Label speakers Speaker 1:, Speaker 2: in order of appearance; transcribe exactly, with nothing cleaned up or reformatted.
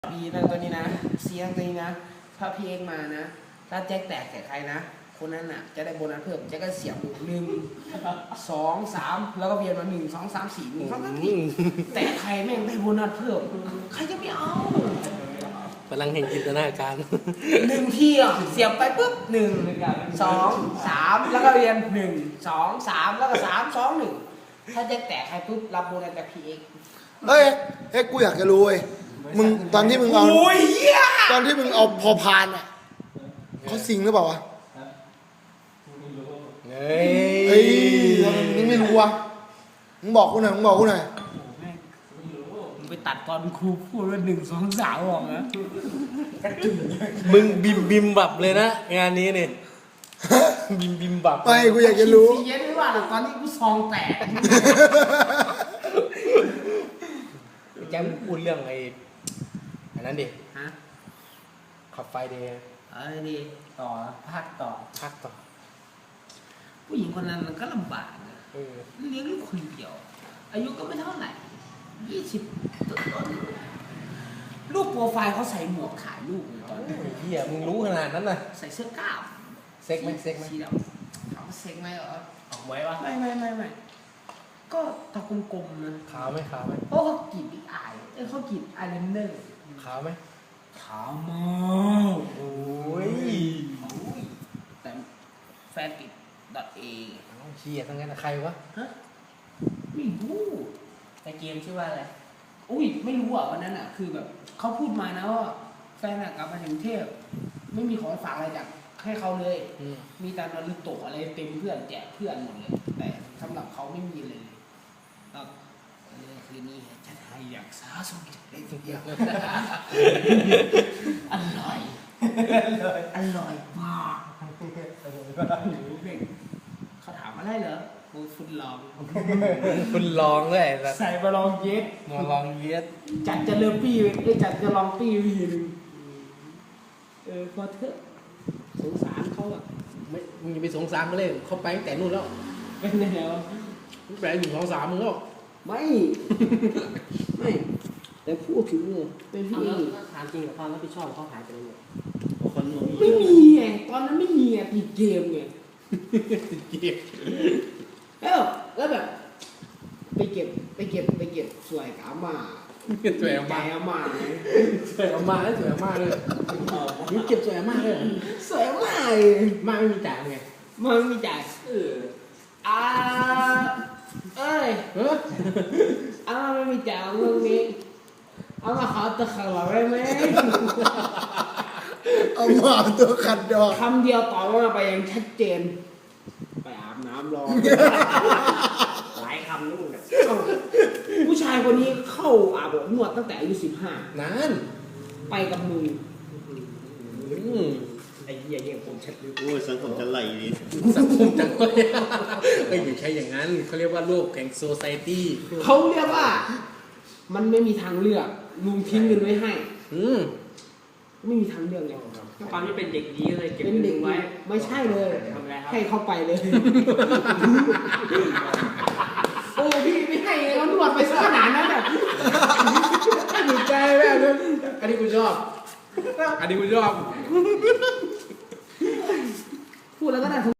Speaker 1: บีนะตัวนี้นะเสียงตัวนี้นะถ้าพี่เอกมานะถ้าแจ็คแตกแก่ใครนะคนนั้นน่ะจะได้โบนัสเพิ่มแจ็คก็เสียบหนึ่งสองสามแล้วก็เวียนมาหนึ่งสองสามสี่หนึ่งสองสามสี่แต่ใครแม่งได้โบนัสเพิ่มใครจะไม่เอา
Speaker 2: พลังแห่งจินตนาการ
Speaker 1: หนึ่งทีอ่ะเสียบไปปุ๊บหนึ่งสองสามแล้วก็เรียนหนึ่งสองสามแล้วก็สามสองหนึ่งถ้าแจ็คแตกใครปุ๊บรับโบนัสจากพี่เอก
Speaker 3: เฮ้ยเฮ้ยกูอยากจะรู้เว้ยมึงตอนที่มึงเอาตอนที่มึงเอาพอพานอ่ะเขาสิงหรือเปล่าวะ
Speaker 2: เฮ้ย
Speaker 3: เฮ้ยทำไมมึงไม่รู้วะมึงบอกกูหน่อยมึงบอกกูหน่อย
Speaker 1: มึงไปตัดตอนครูพูดว่าหนึ่งสองสามออกนะ
Speaker 2: มึงบิมบิมบับเลยนะงานนี้เนี่ยบิมบิมบับ
Speaker 3: ไม่กูอยากจะรู้
Speaker 1: ซีเย็นไม่ว่าแต่ตอนนี้กูซองแตก
Speaker 2: แกมึงพูดเรื่องไอ้อันนั้นดิ
Speaker 1: ฮะ
Speaker 2: ขับไฟเดย์
Speaker 1: เอ้ยดิต่อภาคต่อ
Speaker 2: ภาคต่อ
Speaker 1: ผู้หญิงคนนั้นมันก็ลำบากนะเลี้ยงลูกคนเดียวอายุก็ไม่เท่าไหร่ยี่สิบต้นลูกโปรไฟล์เขาใส่หมวกขายลูกเลยตอนนี้
Speaker 2: เฮียมึงรู้ขนาดนั้นน่ะ
Speaker 1: ใส่เสื้อกล้าม
Speaker 2: เซ็กไหมเซ็กไหม
Speaker 1: สีดำถามว่าเซ็กไหมเหรอ
Speaker 2: ออกไว้ปะ
Speaker 1: ไม่ไม่ไม่ไม่ก็ตากลมๆนะ
Speaker 2: ขาวไหมขาวไหม
Speaker 1: เพราะเขากรีดบิ๊กอายเอ้เขากรีดอายไลเนอร์
Speaker 2: ขาวไหม
Speaker 1: ขาวมาก
Speaker 2: โอ้ย
Speaker 1: แต่แฟนติดดอทเอ
Speaker 2: เฮียทั้งนั้นใครวะ
Speaker 1: ฮะไม่รู้
Speaker 2: ในเกมชื่อว่าอะไร
Speaker 1: อุ้ยไม่รู้อ่ะวันนั้นอ่ะคือแบบเขาพูดมานะว่าแฟนกลับมาถึงเทพไม่มีของฝากอะไรจากให้เขาเลยมีแต่นารูโตะอะไรเต็มเพื่อนแจกเพื่อนหมดเลยแต่สำหรับเขาไม่มีเลยก็คืนนี้จะให้อยากสาสมได้ทุกอย่างอร่อยอร่อยมากเขาถามอะไรเหรอกูฟุตลอง
Speaker 2: ฟุตลองเลย
Speaker 1: ใส่มาลองเย็ด
Speaker 2: มาลองเย็ด
Speaker 1: จัดจะเริ่มปี้ไอ้จัดจะลองปี้วีนึงเออพอเถอะสงสารเขาอะ
Speaker 2: ไม่มึงจะไปสงสารเขาเลยเขาไปตั้งแต่นู่นแล้ว
Speaker 1: เป็นไงวะ
Speaker 2: มึงแปลหนึ่งสองสามมึงก็
Speaker 1: ไม่ไม่แต่พูดถึงเลยเป็นพี่
Speaker 2: ถามจริงกับความรับผิดชอบเขาหายไปเลย
Speaker 1: คนไม่มีไงตอนนั้นไม่มีไงติดเกมไง
Speaker 2: ติดเกม
Speaker 1: แล้วแล้วแบบไปเก็บไปเก็บไปเก็บสวยกับอาม่า
Speaker 2: สวยอาม่า
Speaker 1: อาม่า
Speaker 2: สวยอาม่าแล้วสวยอาม่าเลยมึงเก็บสวยอาม่าเลย
Speaker 1: สวยอาม่า
Speaker 2: ม่าไม่มีจ่ายไง
Speaker 1: ม่าไม่มีจ่ายเอออ่าเอ้ย
Speaker 2: เออ
Speaker 1: อาม่าไม่มีจ่ายเรื่องนี้อาม่าขอตะขัดไว้ไหม
Speaker 3: เอามาตัวขัดดอก
Speaker 1: คำเดียวต่อมาไปยังชัดเจนไปอาบน้ำรอหลายคำนู่นน่ะผู้ชายคนนี้เข้าอาบอบนวดตั้งแต่อายุสิบห้าน
Speaker 2: าน
Speaker 1: ไปกับมึงไอ้เหี้ยยังผมชัดเลย
Speaker 4: โอ้ยสังคมจะไหลดิ
Speaker 2: สังคมจะไหลไม่อย่าใช้อย่างนั้นเขาเรียกว่าโลกแห่งโซไซตี้
Speaker 1: เขาเรียกว่ามันไม่มีทางเลือกลุงทิ้งเงินไว้ให้
Speaker 2: อืม
Speaker 1: ไม่มีทางเลือกเลย
Speaker 5: ตอนนี้เป็นเด็กดีเลยเก็บ
Speaker 1: เงินไว้ไม่ใช่เลยให้เข้าไปเลยโอ้พี่ไม่ให้แล้วนวดไปสักขนาดนั้นแบบ
Speaker 2: ดีใจแบบนั้นอันนี้กูชอบอันนี้กูชอบ
Speaker 1: พูดแล้วก็ได้